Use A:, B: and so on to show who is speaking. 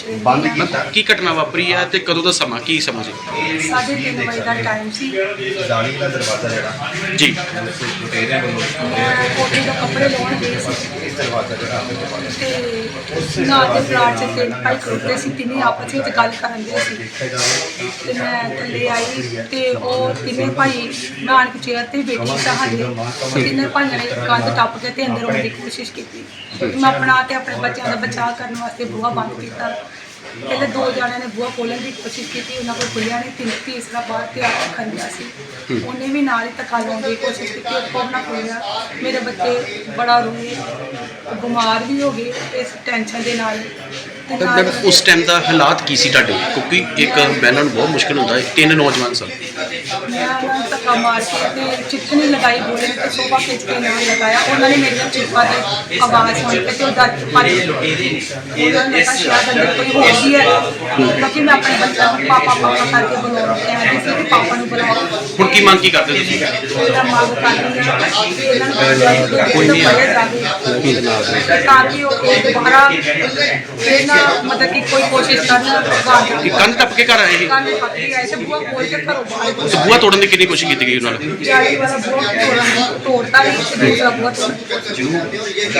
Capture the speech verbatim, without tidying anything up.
A: ਬੰਦ
B: ਰਹਿੰਦੇ
A: ਕੀਤਾ।
B: ਹਾਂ।
C: ਕੀ ਘਟਨਾ ਵਾਪਰੀ ਹੈ ਤੇ ਕਦੋਂ ਦਾ ਸਮਾਂ ਕੀ ਸਮਾਂ ਸੀ?
B: ਸਾਢੇ ਤਿੰਨ ਵਜੇ ਦਾ ਟਾਈਮ ਸੀ।
A: ਜਾਲੀ ਦਾ ਦਰਵਾਜ਼ਾ ਜਿਹੜਾ
C: ਜੀ
A: ਲੁਟੇਰਿਆਂ ਵੱਲੋਂ
B: ਮੈਂ ਕੋਠੇ ਤੋਂ ਕੱਪੜੇ ਲਾਉਣ ਗਈ ਸੀ
A: ਇਹ ਦਰਵਾਜ਼ਾ ਜਿਹੜਾ ਆਪੇ ਦਰਵਾਜ਼ਾ
B: ਤੇ ਨਾਲ ਦੇ ਪਲਾਟ 'ਚ ਤਿੰਨ ਭਾਈ ਖੜੋਤੇ ਸੀ, ਤਿੰਨੇ ਆਪਸ ਵਿੱਚ ਗੱਲ ਕਰਨ ਦੇ ਸੀ
A: ਦੇਖਿਆ ਜਾਵੇ
B: ਤੇ ਮੈਂ ਥੱਲੇ ਆਈ ਤੇ ਉਹ ਤਿੰਨੇ ਭਾਈ ਮੈਂ ਆਣ ਕੇ ਚੇਅਰ ਤੇ ਬੈਠੀ ਸਾਂ ਹਾਲੇ। ਉਹ ਤਿੰਨੇ ਭਾਈਆਂ ਨੇ ਕੰਧ ਟੱਪ ਕੇ ਤੇ ਅੰਦਰ ਆਉਣ ਦੀ ਕੋਸ਼ਿਸ਼ ਕੀਤੀ। ਮੈਂ ਆਪਣਾ ਤੇ ਆਪਣੇ ਬੱਚਿਆਂ ਦਾ ਬਚਾਅ ਕਰਨ ਵਾਸਤੇ ਬੂਹਾ ਬੰਦ ਕੀਤਾ। ਪਹਿਲੇ ਦੋ ਜਣਿਆਂ ਨੇ ਬੂਹਾ ਖੋਲ੍ਹਣ ਦੀ ਕੋਸ਼ਿਸ਼ ਕੀਤੀ, ਉਹਨਾਂ ਕੋਲ ਖੁੱਲਿਆ ਨਹੀਂ। ਤਿੰਨ ਤੀਸਰਾ ਬਾਹਰ ਤੇ ਆ ਕੇ ਖੰਡਿਆ ਸੀ, ਉਹਨੇ ਵੀ ਨਾਲ ਹੀ ਧੱਕਾ ਲਾਉਣ ਦੀ ਕੋਸ਼ਿਸ਼ ਕੀਤੀ, ਉਹ ਕੋਲ ਨਾ ਖੁੱਲਿਆ। ਮੇਰੇ ਬੱਚੇ ਬੜਾ ਰੋਏ, ਬਿਮਾਰ ਵੀ ਹੋ ਗਏ ਇਸ ਟੈਨਸ਼ਨ ਦੇ ਨਾਲ। ਤੇ
C: ਤਾਂ
B: ਨਾਲ
C: ਮੈਡਮ ਉਸ ਟਾਈਮ ਦਾ ਹਾਲਾਤ ਕੀ ਸੀ ਤੁਹਾਡੇ? ਕਿਉਂਕਿ ਇੱਕ ਬਹਿਣਾ ਨੂੰ ਬਹੁਤ ਮੁਸ਼ਕਿਲ ਹੁੰਦਾ ਹੈ, ਤਿੰਨ ਨੌਜਵਾਨ ਸਨ।
B: ਮੈਂ ਉਹਨਾਂ ਨੂੰ ਧੱਕਾ ਮਾਰ ਕੇ ਤੇ ਚਿੱਠਣੀ ਲਗਾਈ, ਬੋਲੇ ਤੇ ਸੋਫਾ ਖਿੱਚ ਕੇ ਨਾਲ ਲਗਾਇਆ। ਉਹਨਾਂ ਨੇ ਮੇਰੀਆਂ ਚੀਕਾਂ ਦੀ ਆਵਾਜ਼ ਸੁਣ ਕੇ ਤੇ ਉਹ ਦਰਦ ਭੱਜ ਗਏ। ਉਹਨਾਂ ਨੇ ਕਿਹਾ ਸ਼ਾਇਦ ਅੰਦਰ ਕੋਈ ਹੋ ਗਈ ਹੈ, ਕਿਉਂਕਿ ਮੈਂ ਆਪਣੇ ਬੱਚਿਆਂ ਨੂੰ ਪਾਪਾ ਪਾਪਾ ਕਰਕੇ ਬੁਲਾਉਣਾ ਕਹਿੰਦੀ ਸੀ ਕਿ ਪਾਪਾ ਨੂੰ ਬੁਲਾਓ।
C: ਹੁਣ ਕੀ ਮੰਗ ਕੀ ਕਰਦੇ ਤੁਸੀਂ?
B: ਮੇਰਾ ਮੰਗ ਕਰਦੀ ਹਾਂ ਕਿ ਇਹਨਾਂ ਨੂੰ ਕੋਈ ਨਹੀਂ ਫੜਿਆ ਜਾਵੇ ਤਾਂ ਕਿ ਉਹ ਇਹ ਦੁਬਾਰਾ ਫਿਰ ਨਾ ਮਤਲਬ ਕਿ ਕੋਈ ਕੋਸ਼ਿਸ਼ ਕਰਨ ਬਾਹਰ
C: ਕਿ ਕੰਧ ਟੱਪ ਕੇ ਘਰ ਆਏ ਸੀ?
B: ਕੰਨ ਪੱਕੀ ਆਏ ਤੇ ਬੂਹਾ ਖੋਲ ਕੇ ਘਰੋਂ ਬਾਹਰ
C: ਤੇ ਬੂਹਾ ਤੋੜਨ ਦੀ ਕਿੰਨੀ ਕੋਸ਼ਿਸ਼ ਕੀਤੀ ਗਈ ਉਹਨਾਂ ਨਾਲ?
B: ਜਾਲੀ ਵਾਲਾ ਬੂਹਾ ਤੋੜਨ ਤੋੜਤਾ ਵੀ ਤੇ ਦੂਸਰਾ ਬੂਹਾ ਤੋੜਨ ਦੀ ਕੋਸ਼ਿਸ਼ ਕੀਤੀ।